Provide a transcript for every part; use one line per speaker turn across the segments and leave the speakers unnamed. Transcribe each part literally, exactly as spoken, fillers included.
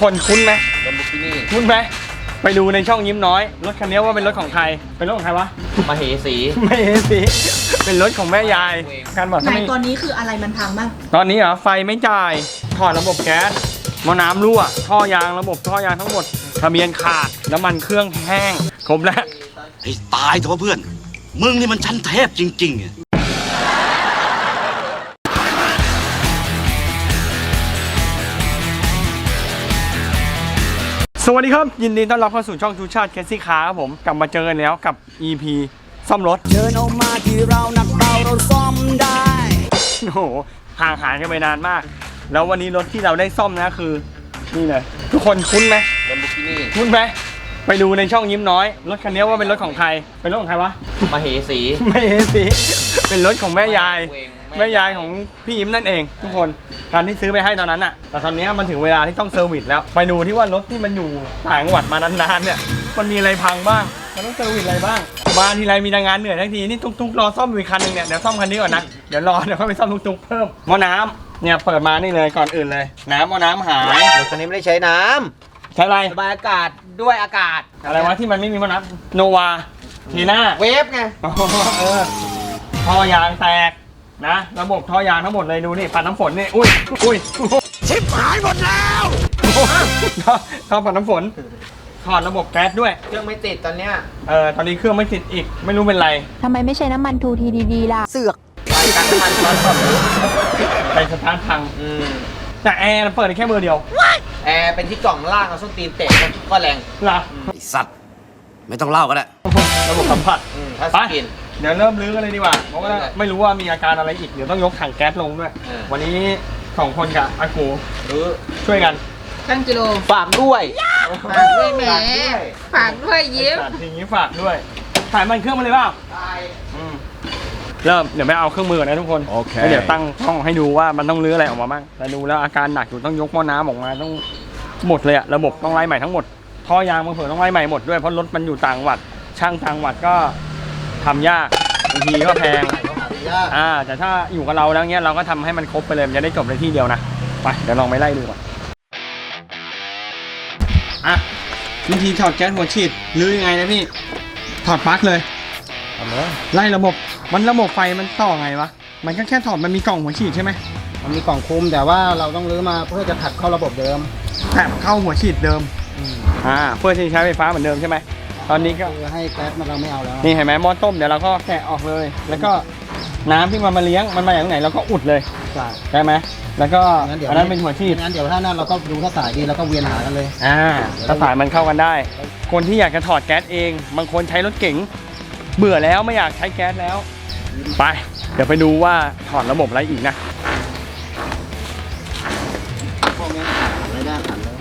คนคุ้นไหม
ลัมโบกินี่
คุ้นไหมไปดูในช่องยิ้มน้อยรถคันนี้ว่าเป็นรถของใครเป็นรถของใครวะ
มาเหสี
ไม่เห็นสิเป็นรถของแม่ยายการบอก
ไหน
ทำไม
ตอนนี้คืออะไรมันพังบ้าง
ตอนนี้เหรอไฟไม่จ่ายถอดระบบแก๊สหม้อน้ำรั่วท่อยางระบบท่อยางทั้งหมดทะเบียนขาดน้ำมันเครื่องแห้งครบแล้ว
ให้ตายเถอะเพื่อน มึงนี่มันชั้นเทพจริงๆ
สวัสดีครับยินดีต้อนรับเข้าสู่ช่องทูชาติแคสซี่คาร์ครับผมกลับมาเจอกันแล้วกับ อี พี ซ่อมรถเดินออกมาที่เราหนักเบาเราซ่อมได้โอ้โหห่างหายกันไปนานมากแล้ววันนี้รถที่เราได้ซ่อมนะคือนี่เลยทุกคนคุ้นไหม
ลัมโบกินี่
คุ้นไหมไปดูในช่องยิ้มน้อยรถคันนี้ว่าเป็นรถของใครเป็นรถของใครวะ
มาเหสี
ไม่เห็นสิเป็นรถของแม่ยายแม่ยายของพี่ยิ้มนั่นเองทุกคนการที่ซื้อไปให้ตอนนั้นอะแต่ตอนนี้มันถึงเวลาที่ต้องเซอร์วิสแล้วไปดูที่ว่ารถที่มันอยู่ต่างจังหวัดมานานๆเนี่ยมันมีอะไรพังบ้างมันต้องเซอร์วิสอะไรบ้างมาทีไรมีงานเหนื่อยทั้งทีนี่ตุ๊กๆรอซ่อมอีกคันหนึ่งเนี่ยเดี๋ยวซ่อมคันนี้ก่อนนะเดี๋ยวรอเดี๋ยวค่อยไปซ่อมตุ๊กๆเพิ่มหม้อน้ำเนี่ยเปิดมานี่เลยก่อนอื่นเลยน้ำหม้อน้ำหาย
รถคันนี้ไม่ได้ใช้น้
ใช่อะไร
ำระบายอากาศด้วยอากาศ
อะไรวะที่มันไม่มีหม้อน้ำโนวาทีน่า
เวฟไง
อ๋อเออท่อยางแตกนะระบบท่อยางทั้งหมดเลยดูนี่ปัดน้ำฝนนี่อุ้ยอุ้ยชิบหายหมดแล้วท่อปัดน้ำฝนถอดระบบแก๊สด้วย
เครื่องไม่ติดตอนเนี้ย
เออตอนนี้เครื่องไม่ติดอีกไม่รู้เป็นไร
ทำไมไม่ใช้น้ำมันทูทีดีๆล่ะ
เสือกไปกันน้ำมันร้อนแบบ
ไปสตาร์ทพัง
อืม
แต่แอร์เปิดได้แค่เบอร์เดียว
แอร์เป็นที่กล่องล่างเอาส้นตีนเตะก็แรง
เหรอ
ไอสัตว์ ไม่ต้องเล่าก็ได้
ระบบสัมผัส
อืมถ้า
ไป
สกิน
เดี๋ยวเริ่มรื้อกันเลยดีกว่าเพราะว่าไม่รู้ว่ามีอาการอะไรอีกเดี๋ยวต้องยกถังแก๊สลงด้วย
เออ
วันนี้สองคนกับอากู
หรือ
ช่วยกัน
ช่างกิโล
ฝากด้วย
ฝากด้วยแหม
ฝากด้วย
ฝากด้วยยิ้ม
จัดทีนี้ฝากด้วยถ่ายมันเครื่องมาเลยเปล่า
ตาย
อืมเริ่มเดี๋ยวไปเอาเครื่องมือก่อนนะทุกคนโอเคเดี๋ยวตั้งกล้องให้ดูว่ามันต้องรื้ออะไรออกมาบ้างแต่ดูแล้วอาการหนักอยู่ต้องยกหม้อน้ำออกมาต้องหมดเลยอะระบบต้องไล่ใหม่ทั้งหมดท่อยางบางเผื่อต้องไล่ใหม่หมดด้วยเพราะรถมันอยู่ต่างจังหวัดช่างต่างจังหวัดก็ทำยากบางทีก็แพงอ่าแต่ถ้าอยู่กับเราแล้วเนี้ยเราก็ทำให้มันครบไปเลยมันจะได้จบในที่เดียวนะไปเดี๋ยวลองไปไล่ดูก่อนอ่ะวิธีถอดแก๊สหัวฉีดรื้อยังไงนะพี่ถอดปลั๊กเลยไล่ระบบมันระบบไฟมันต่อไงวะมันก็แค่ถอดมันมีกล่องหัวฉีดใช่ไหม
มันมีกล่องคุมแต่ว่าเราต้องรื้อมาเพื่อจะถัดเข้าระบบเดิม
แถบเข้าหัวฉีดเดิมอ่าเพื่อที่ใช้ไฟฟ้าเหมือนเดิมใช่ไหมตอนนี้ก็
คือให้แก๊สมันเราไม่เอาแล้ว
นี่เห็นไหมหม้อต้มเดี๋ยวเราก็แกะออกเลย แล้วก็น้ำที่มันมาเลี้ยงมันมาจากไหนเราก็อุดเลย
ใช่
ได้ไหมแล้วก็
งั้นเดี๋ยว
อันนั้นเป็นหัวฉีด
งั้นเดี๋ยวถ้านั้นเราก็ดูถ้าสายดีเราก็เวียนหากันเลย
อ่าถ้าสายมันเข้ากันได้ คนที่อยากจะถอดแก๊สเองบางคนใช้รถเก๋งเบื่อแล้วไม่อยากใช้แก๊สแล้วไปเดี๋ยวไปดูว่าถอดระบบอะไรอีกนะ
พวกนี้ขาดไม่ได้ขันเลย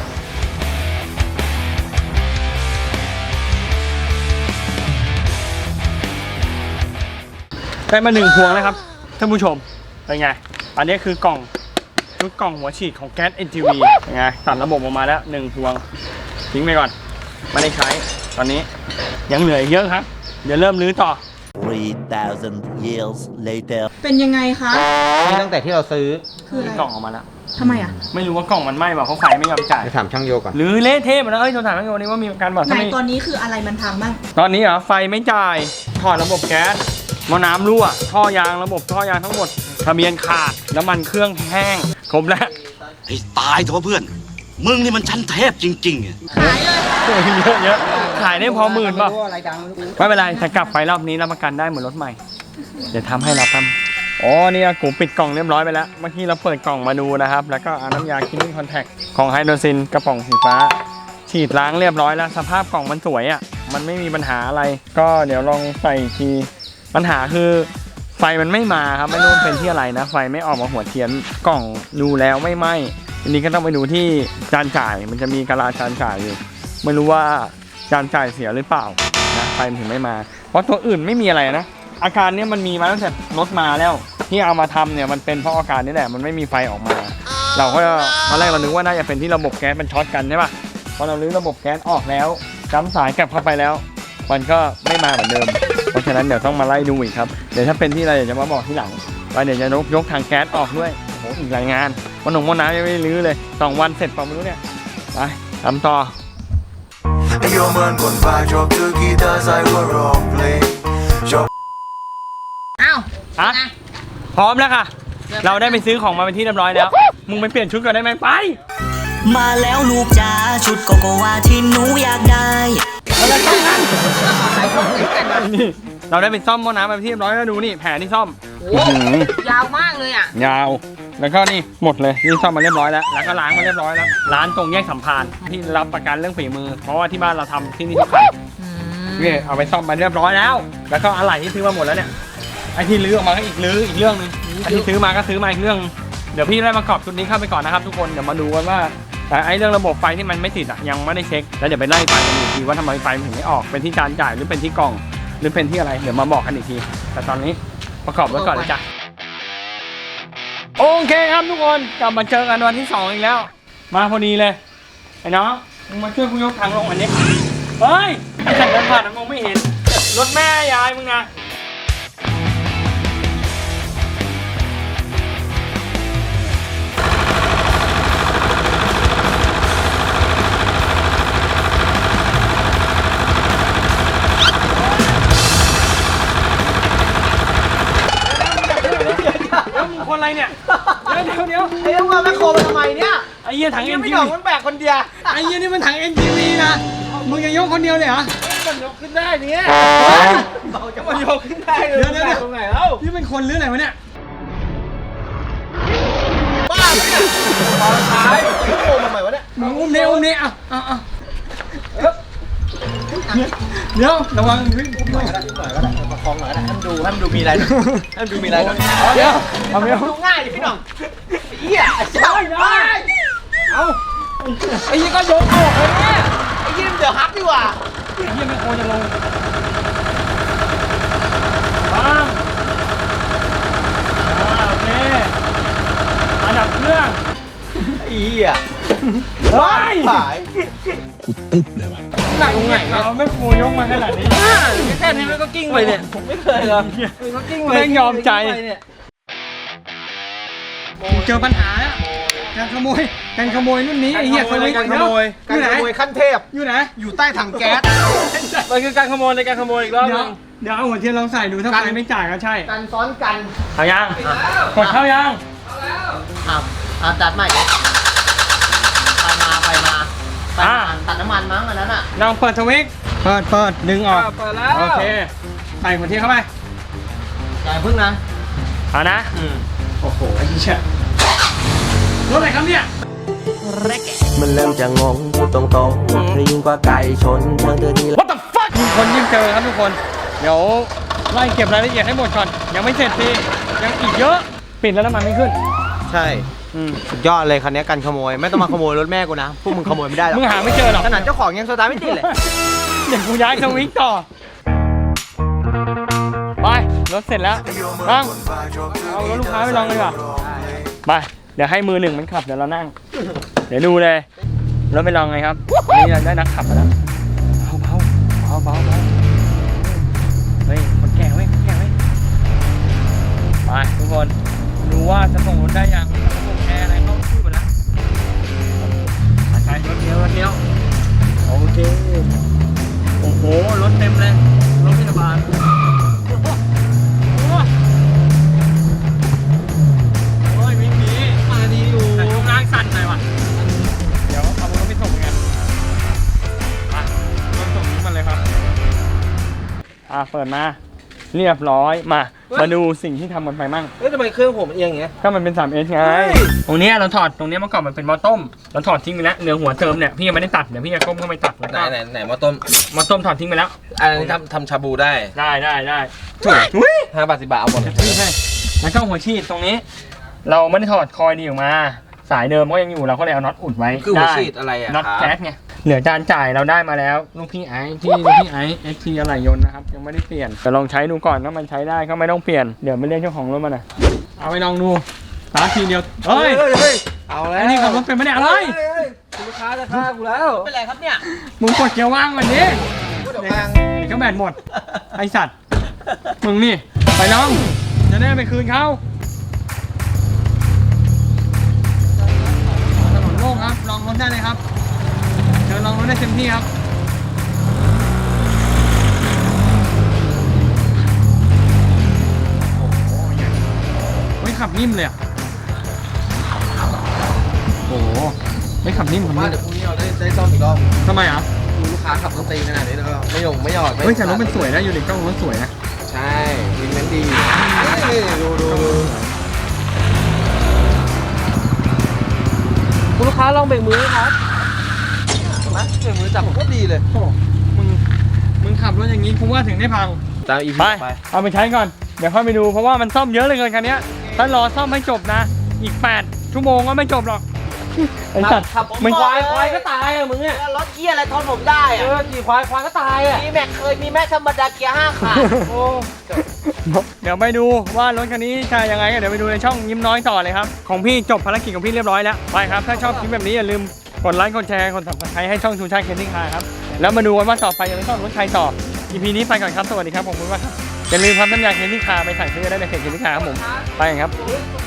ได้มาหนึ่งพวงแล้วครับท่านผู้ชมเป็นไงอันนี้คือกล่องชุดกล่องหัวฉีดของแก๊ส เอ็น จี วี เป็นไงตัดระบบออกมาแล้วหนึ่งพวงทิ้งไปก่อนไม่ได้ใช้ตอนนี้ยังเหลืออีกเยอะครับเดี๋ยวเริ่มรื้อต่อ
three thousand years later
เป็นยังไงคะ
นี่ตั้งแต่ที่เราซื้อ
คืออะไร
กล่องออกมาแล้ว
ทำไมอ่ะ
ไม่รู้ว่ากล่องมันไหม้เปล่าเพราะไฟไม่ยอมจ่าย
ไปถามช่างโยก่อน
หรือเละเทะหมดแล้วเอ้ยโทรถามช่างโยนี่ว่ามีการบอก
ไหน
ทำไม
ตอนนี้คืออะไรมันพังบ้าง
ตอนนี้เหรอไฟไม่จ่ายถอดระบบแก๊สหม้อน้ำรั่วท่อยางระบบท่อยางทั้งหมดทะเบียนขาดน้ำมันเครื่องแห้งครบแล้ว
ให้ตายเถอะเพื่อน มึงนี่มันชั้นเทพจริงๆ
ขายเลย
เยอะเยอะขายได้พอหมื่นป่ะ
ไม่รู้อะไรดังไม่รู้
ไม่เป็นไรแต่กลับไปรอบนี้รับประกันได้เหมือนรถใหม่ เดี๋ยวทำให้เราทำอ๋อนี่อากูปิดกล่องเรียบร้อยไปแล้วเมื่อกี้เราเปิดกล่องมาดูนะครับแล้วก็เอาน้ำยาคิลลิ่งคอนแทคของไฮโดรซินกระป๋องสีฟ้าฉีดล้างเรียบร้อยแล้วสภาพกล่องมันสวยอ่ะมันไม่มีปัญหาอะไร ก็เดี๋ยวลองใส่อีกทีปัญหาคือไฟมันไม่มาครับไม่รู้เป็นที่อะไรนะไฟไม่ออกมาหัวเทียนกล่องดูแล้วไม่ไหม้ทีนี้ก็ต้องไปดูที่จานจ่ายมันจะมีกะลาจานจ่ายอยู่ไม่รู้ว่าจานจ่ายเสียหรือเปล่านะไฟมันถึงไม่มาเพราะตัวอื่นไม่มีอะไรนะอาการนี้มันมีมาตั้งแต่รถมาแล้วที่เอามาทำเนี่ยมันเป็นเพราะอาการนี้แหละมันไม่มีไฟออกมา เราก็ตอนแรกเรานึกว่าน่าจะเป็นที่ระบบแก๊สมันช็อตกันใช่ป่ะพอเราลื้อระบบแก๊สออกแล้วจ้ำสายกลับเข้าไปแล้วมันก็ไม่มาเหมือนเดิมเพราะฉะนั้นเดี๋ยวต้องมาไล่ดูอีกครับเดี๋ยวถ้าเป็นที่อะไรเดี๋ยวจะมาบอกที่หลังว่าเดี๋ยวจะยกยกทางแก๊สออกด้วยโอ้โหอีกหลายงานวันหนุ่มวันน้ำยังไม่ได้ลื้อเลยสองวันเสร็จเปล่าไม่รู้เนี่ยไปทำต่อ
Jag man kon vai job to guitar sai go rock play. Job
อ้าว
อ่ะพร้อมแล้วค่ะ เราได้ไปซื้อของมาเป็นที่เรียบร้อยแล้ว มึงไปเปลี่ยนชุดก่อนได้ไหมไป
มาแล้วลูกจ๋าชุดโกโกวาที่หนูอยากได้
อะไรต้องงั้นนี่เราได้ไปซ่อมหม้อน้ำมาเป็นที่เรียบร้อยแล้วดูนี่แผลที่ซ่อม
โอ้ยาวมากเลยอ่ะ
ยาว แล้วก็นี่หมดเลยนี่ซ่อมมาเรียบร้อยแล้ว แล้วก็ล้างมาเรียบร้อยแล้ว ร้านตรงแยกสัมพันธ์ที่รับประกันเรื่องฝีมือ เพราะว่าที่บ้านเราทำที่นี่ทุกคันนี่เอาไปซ่อมมาเรียบร้อยแล้ว แล้วก็อะไหล่ที่ซื้อมาหมดแล้วเนี่ยไอ้ที่ลื้อออกมาก็อีกลื้ออีกเรื่องนึงไอ้ที่ซื้อมาก็ซื้อมาอีกเรื่อง เดี๋ยวพี่ได้ประกอบชุดนี้เข้าไปก่อนนะครับทุกคนเดี๋ยวมาดูกันว่าไอ้เรื่องระบบไฟที่มันไม่ติดอ่ะยังไม่ได้เช็คแล้วเดี๋ยวไปไล่ไฟกันอีกทีว่าทำไมไฟมันถึงไม่ออกเป็นที่จานจ่ายหรือเป็นที่กล่องหรือเป็นที่อะไรเดี๋ยวมาบอกกันอีกทีแต่ตอนนี้ประกอบไว้ก่อนเลยจ้ะโอเคครับทุกคนกลับมาเจอกันวันที่สองอีกแล้ว มาพอดีเลยไอ้น้องมึงมาช่วยกูยกถังลงอันนี้เฮ้ยไอ้ฉันเดินผ่านมองไม่เห็นรถแม่ยายมึงนะคนอะไรเนี่ยเดี๋ยวเดี๋ยวเดี๋ยว
ไอ้ยังว่าแม่โคมาทำไมเนี่ย
ไอ้เหี้ยถังเอ็น
ไม่
จี
หยอ
วี
กมันแบกคนเดียว
ไอ้เหี้ยนี่มันถังเอ็นจีวีนะมึงจะยกคนเดียวเลยเหรอ
มันยกขึ้นได้เนี่ยเบาจะมันยกขึ้นได้เลย
เดี๋ยวเดี๋ยว
ตรงไหนแล้ว
นี่เป็นคนหรืออะไรวะเนี่ย
บ้าไหมเนี่ยตอนท้ายโคมทำไมวะเนี่ย
มึงอุ้มเนี่ยอุ้มเนี่ยอ่ะอ่ะอ่ะเดี๋ยวระวังวิ่ง
หน่อยก็ได้หน่อยก็ได้ประคองหน่อยก็ได้ให้มันดูให้มันดูมีอะไรให้มันดูมีอะไรด้วย
เดี๋ยวเอาไม่เอา
ดูง่ายดิพี่น้องเหี้ยเจ้าได้เอาไอ้ยี่ก็ยกออกเลยเนี่ยไอ้ยี่เดี๋ยวฮักดีกว่า
ไอ้เหี้ยไม่โคจะลงวางอ่าโอเคอันดับเครื่อง
ไอ้เหี้ย
เฮ้ย
หาย
หนักไงเราไม่โคยกมาขนาดนี้
แค่นี้มันก็กิ้งไปเนี่ยผมไม่เคยเลยมันก็กิ้งไป
แม่งยอมใจ
เนี่ย
เจอปัญหาแล้วการขโมยการขโมยรุ่นนี้ไอ้เหี้ยสวิตช์
การขโมย
อ
การ
ยู่ไหน
ขโมยขั้นเทพ
อยู่ไหน
อยู่ใต้ถังแก๊ส
มันคือการขโมยในการขโมยอีกรอบนึงเดี๋ยวเอาหัวเทียนลองใส่ดูถ้าไฟไม่จ่ายก็ใช่
กันซ้อนกัน
เอายังกดเข้ายัง
อ้าวอ้าวตัดใหม่ไปมาไปมาไปมาตัดน้ำมันมั้งอันนั้นอ่ะ
ลองเปิดสวิตช์เปิดเปิดดึงออก
เปิดแล้ว
โอเคใส่หัวเทียนเข้าไป
อย่าพึ่งนะ
เอานะ
อืม
โอ้โหไอ้เชี่ยรถอะไรครับเนี่ย
มันเริ่มจะงงพูดตรงๆเธอยิ่งกว่าไก่ชนเธอเธอดี
What the fuck ยิ่งคนยิ่งเจอครับทุกคนเดี๋ยวไล่เก็บรายละเอียดให้หมดก่อนยังไม่เสร็จพี่ยังอีกเยอะปิดแล้วน้ำมันไม่ขึ้น
ใช่
อืม
สุดยอดเลยคันนี้กันขโมยไม่ต้องมาขโมยรถแม่กูนะพวกมึงขโมยไม่ได้หรอก
มึงหาไม่เจอหรอก
ขนาดเจ้าของยังสตาร์ทไม่ติดเลย
เดี๋ยวกูย้ายสวิตช์ต่อไปรถเสร็จแล้วบ้างเอารถลูกค้าไปลองเลยดีกว่าไปเดี๋ยวให้มือหนึ่งมันขับเดี๋ยวเรานั่ง เดี๋ยวดูเลยรถไปลองไงครับวันนี้เราได้นักขับมาแล้วเบาเบาเบาเบาเบาเฮ้ยคนแก่เว้ยคนแก่เว้ยไปทุกคนดูว่าจะส่งรถได้ยังระบบแอร์อะไรเข้าที่หมดแล้วใช้รถเดียวรถเดียวโอเคโอ้โหรถเต็มเลยรถพยาบาลโอ้โหโอ้ยวิ่งหนีมาดีอยู่แต่ช่วงล่างสั่นหน่อยว่ะเดี๋ยวเอารถไปส่งกันมารถส่งนี้มาเลยครับอ่าเปิดมาเรียบร้อยมามาดูสิ่งที่ทำมันไปมั่ง
เฮ้ยทำไมเครื่องผมเอียงอย่างเงี้ย
ก็มันเป็น ทรี เอส ไง ตรงเนี้ยเราถอดตรงเนี้ยเมื่อก่อนมันเป็นหม้อต้มเราถอดทิ้งไปแล้วเหลือหัวเติมเนี่ยพี่ยังไม่ได้ตัดเดี๋ยวพี่จะก้มเข้าไปตัดแล้ว
ไหน
ก็
ไหนไหนมาต้ม
หม้อต้มถอดทิ้งไปแล้ว
อันนี้ทำทำชาบูได้
ได้ได้ได้
ถูกห้าบาทสิบบาทเอาหมดเลย
ใช่แล้วก็หัวฉีดตรงนี้ เราไม่ได้ถอดคอยดีออกมา สายเดิมก็ยังอยู่เราก็เลยเอาน็อตอุดไว้
คือหัว
ได้
ฉีดอะไรอะ
น็อต
ครับ
แก๊สไงเหลือจานจ่ายเราได้มาแล้วลูกพี่ไอซ์ที่ลูกพี่ไอซ์เอ็กทีอะไรยนต์นะครับยังไม่ได้เปลี่ยนแต่ลองใช้ดูก่อนถ้ามันใช้ได้ก็ไม่ต้องเปลี่ยนเดี๋ยวไม่เรียกเจ้าของรถมาน่ะเอาไปลองดูสตาร์ททีเดียวเฮ้ย
เอาแล้ว
ไอ้นี่ขับรถเป็นไม่ได้อะไร
ลูกค้าจะฆ่ากูแล้วเป็นไรครับเนี่ย
มึงกดเกียร์ว่างวันนี้
พูดออกมา
เดี๋ยวก็แบตหมด ไอสัตว์ มึงนี่ ไปน้อง จะได้ไปคืนเขาถนนโล่งครับ ลองรถได้เลยครับองรถได้เต็มที่ครับโอ้โหเฮ้ยขับนิ่มเลยอ่ะโอ้โหไม่ขับนิ่มขับ
ว่า
นิ่ม
เดี๋ยวพรุ่งนี้เราได้ได้ซ่อมอีกรอบ
ทำไมอ่ะ
ดูลูกค้าขับรถตีขนาดนี้แล้วก็ไม่ยงไม่หยอดไม่
เฮ้ยแต่รถมันสวยนะอยู่ในกล้องรถสวยนะ
ใช่วินเมนดีนี่ดูดูดู
คุณลูกค้าลองเบรกมือไหมครับ
นะเดี๋ยวมือจับผมก็ดีเลย
โอ้มึงมึงขับรถอย่างนี้กูว่าถึงได้พัง
ตามอีพี
ไป
ไป
เอาไปใช้ก่อน เดี๋ยวค่อยไปดู เพราะว่ามันซ่อมเยอะเลยเกินคันเนี้ยถ้ารอซ่อมให้จบนะ อีก แปด ชั่วโมงก็ไม่จบหรอก ไอ้สัตว์
ขับ
มัน
ควายควายก็ตายอ่ะมึงอ่ะ
รถเกียร์อะไรทนผมได้
เอ
อ่ะ
อขี่ควายควายก็ตายอ่ะ
มีแม็กเคยมีแม็กธรรมดาเกียร์ห้าขาด
โอ้
เดี๋ยวไปดูว่ารถคันนี้จะยังไงกันเดี๋ยวไปดูในช่องยิ้มน้อยต่อเลยครับ ของพี่จบภารกิจของพี่เรียบร้อยแล้ว ไปครับ ถ้าชอบคลิปแบบนี้อย่าลืมกดไลค์ กดแชร์ กด ซับสไครบ์ ให้ช่องชูชาติเคนนิ่งคาร์ครับ แล้วมาดูกันว่าต่อไปจะไปซ่อมรถใครต่อ อี พี นี้ไปก่อนครับ สวัสดีครับผมคุณว่าครับอย่าลืมครับน้ำยาเคนนิ่งคาร์ไปสั่งซื้อได้ในเพจเคนนิ่งคาร์ครับผม ไปกันครับ